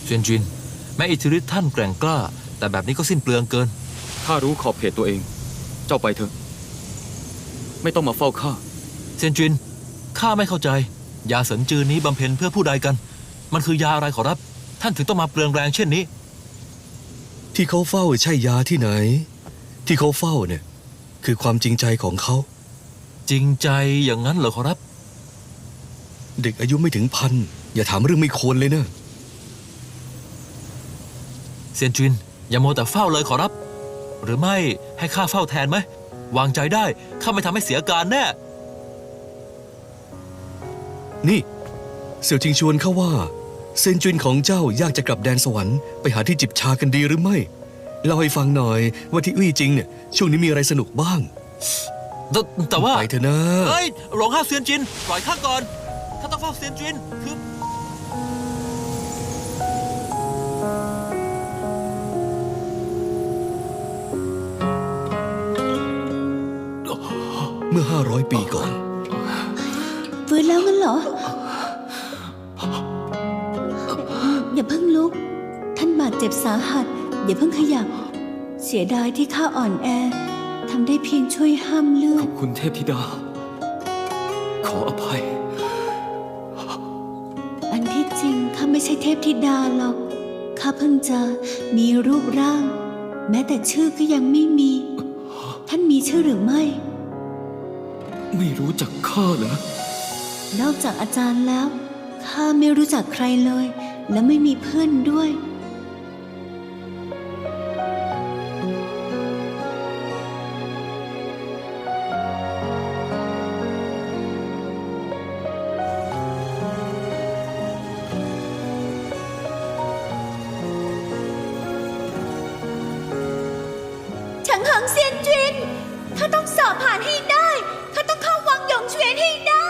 เซียนจินแม้อิทธิฤทธิ์ท่านแกร่งกล้าแต่แบบนี้ก็สิ้นเปลืองเกินข้ารู้ขอบเขตตัวเอง เจ้าไปเถอะไม่ต้องมาเฝ้าข้าเซียนจินข้าไม่เข้าใจยาเสินจือนี้บำเพ็ญเพื่อผู้ใดกันมันคือยาอะไรขอรับท่านถึงต้องมาเปลืองแรงเช่นนี้ที่เขาเฝ้าใช่ยาที่ไหนที่เขาเฝ้าเนี่ยคือความจริงใจของเขาจริงใจอย่างนั้นเหรอขอรับเด็กอายุไม่ถึงพันอย่าถามเรื่องไม่ควรเลยนะเซียนจินอย่าโมแต่เฝ้าเลยขอรับหรือไม่ให้ข้าเฝ้าแทนไหมวางใจได้ข้าไม่ทำให้เสียการแน่นี่เสี่ยวจิงชวนเขาว่าเซียนจินของเจ้าอยากจะกลับแดนสวรรค์ไปหาที่จิบชากันดีหรือไม่เล่าให้ฟังหน่อยว่าที่อี้จริงเนี่ยช่วงนี้มีอะไรสนุกบ้างแต่ว่าไปเถอะนะเฮ้ยหลงห้าเซียนจินปล่อยข้าก่อนข้าต้องเฝ้าเซียนจินคือเมื่อ500 ปีก่อนฟื้นแล้วงั้นเหรออย่าเพิ่งลุกท่านบาดเจ็บสาหัสอย่าเพิ่งขยับเสียดายที่ข้าอ่อนแอทำได้เพียงช่วยห้ามเลือดขอบคุณเทพธิดาขออภัยอันที่จริงข้าไม่ใช่เทพธิดาหรอกข้าเพิ่งจะมีรูปร่างแม้แต่ชื่อก็ยังไม่มีท่านมีชื่อหรือไม่ไม่รู้จักข้าเหรอนอกจากอาจารย์แล้วข้าไม่รู้จักใครเลยและไม่มีเพื่อนด้วยถังเหังเซียนจินข้าต้องสอบผ่านให้ได้ข้าต้องเข้าวังหยงเฉวียนให้ได้